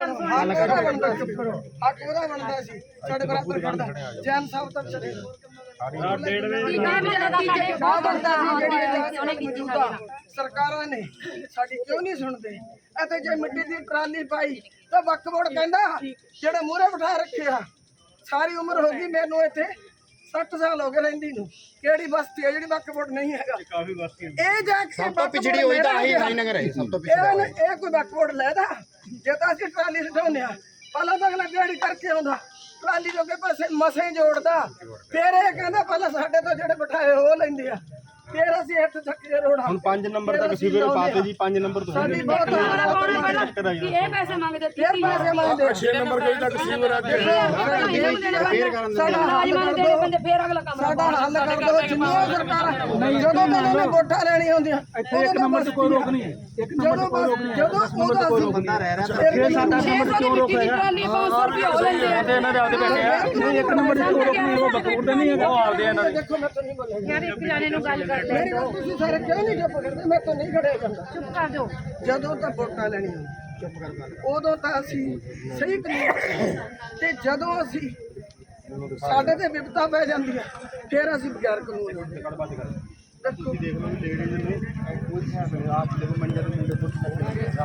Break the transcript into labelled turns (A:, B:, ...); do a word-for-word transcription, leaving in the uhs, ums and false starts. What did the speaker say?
A: ਉਹਦਾ ਬਣਦਾ ਸੀ, ਹੱਕ ਉਹਦਾ ਬਣਦਾ ਸੀ, ਸਾਡੇ ਬਰਾਬਰ ਖੜਦਾ। ਜੈਨ ਸਾਹਿਬ ਤਾਂ ਚਲੇ ਸਰਕਾਰਾਂ ਨੇ ਸਾਡੀ ਕਿਉਂ ਨਹੀਂ ਸੁਣਦੇ? ਅਤੇ ਜੇ ਮਿੱਟੀ ਦੀ ਟਰਾਲੀ ਪਾਈ ਤਾਂ ਵਕਫ ਬੋਰਡ ਕਹਿੰਦਾ ਜਿਹੜੇ ਮੂਹਰੇ ਬਿਠਾ ਰੱਖਿਆ ਸਾਰੀ ਉਮਰ ਹੋ ਗਈ ਮੈਨੂੰ ਇੱਥੇ ਸੱਠ ਸਾਲ ਹੋ ਗਏ ਰਹਿੰਦੀ ਨੂੰ। ਕਿਹੜੀ ਬਸਤੀ ਹੈ ਜਿਹੜੀ ਵਕਫ ਬੋਰਡ ਨਹੀਂ ਹੈਗਾ? ਇਹ ਜਾ ਕੇ
B: ਸਭ ਤੋਂ ਪਿਛੜੀ ਹੋਈ ਤਾਂ ਆਹੀ ਹਰੀਨਗਰ ਹੈ, ਸਭ ਤੋਂ ਪਿਛੜਾ
A: ਇਹ ਇਹ ਕੋਈ ਵਕਫ ਬੋਰਡ ਲੈਦਾ? ਜੇ ਤਾਂ ਅਸੀਂ ਟਰਾਲੀ ਸਟਾਉਂਦੇ ਆ ਪਹਿਲਾਂ ਤਾਂ ਅਗਲਾ ਦਿਹਾੜੀ ਕਰਕੇ ਆਉਂਦਾ, ਟਰਾਲੀ ਜੋਗੇ ਪੈਸੇ ਮਸੇ ਜੋੜਦਾ, ਫਿਰ ਇਹ ਕਹਿੰਦਾ ਪਹਿਲਾਂ ਸਾਡੇ ਤੋਂ ਜਿਹੜੇ ਬਿਠਾਏ ਉਹ ਲੈਂਦੇ ਆ, ਫਿਰ ਅਸੀਂ ਇੱਥੇ ਥੱਕੇ ਰੋੜਾ।
C: ਹੁਣ ਪੰਜ ਨੰਬਰ ਤੱਕ ਸੀਵਰ ਪਾਤੇ ਜੀ, ਪੰਜ ਨੰਬਰ ਤੋਂ
A: ਸਾਡੀ ਬਹੁਤ
D: ਇਹ ਪੈਸੇ ਮੰਗਦੇ
A: ਫਿਰ ਪੈਸੇ ਮੰਗਦੇ
C: ਛੇ ਨੰਬਰ ਗਈ ਤੱਕ ਸੀਵਰ ਆ ਗਿਆ।
A: ਸਾਡਾ ਹੱਲ ਕਰ ਦਿਓ,
D: ਬੰਦੇ ਫੇਰ ਅਗਲਾ ਕੰਮ
A: ਸਾਡਾ ਹੱਲ ਕਰ ਦਿਓ। ਜਿੰਨੀਆਂ ਸਰਕਾਰਾਂ ਜਦੋਂ ਤੋਂ ਇਹਨਾਂ ਨੇ ਵੋਟਾਂ ਲੈਣੀਆਂ ਹੁੰਦੀਆਂ ਇੱਕ ਨੰਬਰ ਤੇ ਕੋਈ ਰੋਕ ਨਹੀਂ ਹੈ, ਇੱਕ ਨੰਬਰ ਤੇ ਕੋਈ ਰੋਕ ਨਹੀਂ ਹੈ। ਜਦੋਂ ਉਹਦਾ ਅਸੀਂ ਬੰਦਾ ਰਹਿ ਰਿਹਾ ਤਾਂ ਫਿਰ ਸਾਡਾ
D: ਨੰਬਰ ਕਿਉਂ ਰੋਕੇਗਾ? ਟਰਾਲੀ ਪੰਜ ਸੌ ਰੁਪਏ ਹੋ ਲੈਂਦੇ ਆ
C: ਤੇ ਇਹਨਾਂ ਦੇ ਆਪਦੇ ਬੈਠੇ ਆ,
A: ਨਹੀਂ ਇੱਕ ਨੰਬਰ ਤੇ ਕੋਈ ਰੋਕ ਨਹੀਂ, ਉਹ ਬਕੂਰਦੇ ਨਹੀਂ ਹੈਗਾ,
C: ਉਹ ਆਪਦੇ ਇਹਨਾਂ ਦੇ।
A: ਦੇਖੋ ਮੈਂ ਤਾਂ ਨਹੀਂ ਬੋਲਿਆ
D: ਯਾਰ ਇੱਕ ਜਾਣੇ ਨੂੰ ਗੱਲ ਕਰ ਲੈ
A: ਮੇਰੀ ਗੱਲ ਤੁਸੀਂ ਸਾਰੇ ਕਿਉਂ ਨਹੀਂ ਚੁੱਪ ਕਰਦੇ? ਮੈਂ ਤਾਂ ਨਹੀਂ ਖੜਿਆ ਜਾਂਦਾ।
D: ਚੁੱਪ ਕਰ ਦਿਓ।
A: ਜਦੋਂ ਤਾਂ ਵੋਟਾਂ ਲੈਣੀਆਂ ਚੁੱਪ ਕਰ ਉਦੋਂ ਤਾਂ ਅਸੀਂ ਸਹੀ ਕਾਨੂੰਨ ਤੇ ਜਦੋਂ ਅਸੀਂ ਸਾਡੇ ਤੇ ਵਿਪਤਾ ਪੈ ਜਾਂਦੀ ਹੈ ਫਿਰ ਅਸੀਂ ਬਗੈਰ ਕਾਨੂੰਨ ਦੇਖੋ
C: ਦੇਖ ਲਓ ਲੇਡੀਜ਼ ਨੇ ਕੋਈ ਹਿਸਾਬ ਨਹੀਂ, ਆਪ ਦੇਖੋ ਮੰਜਰ ਦੇ ਮੁੰਡੇ ਪੁੱਛ ਸਕਦੇ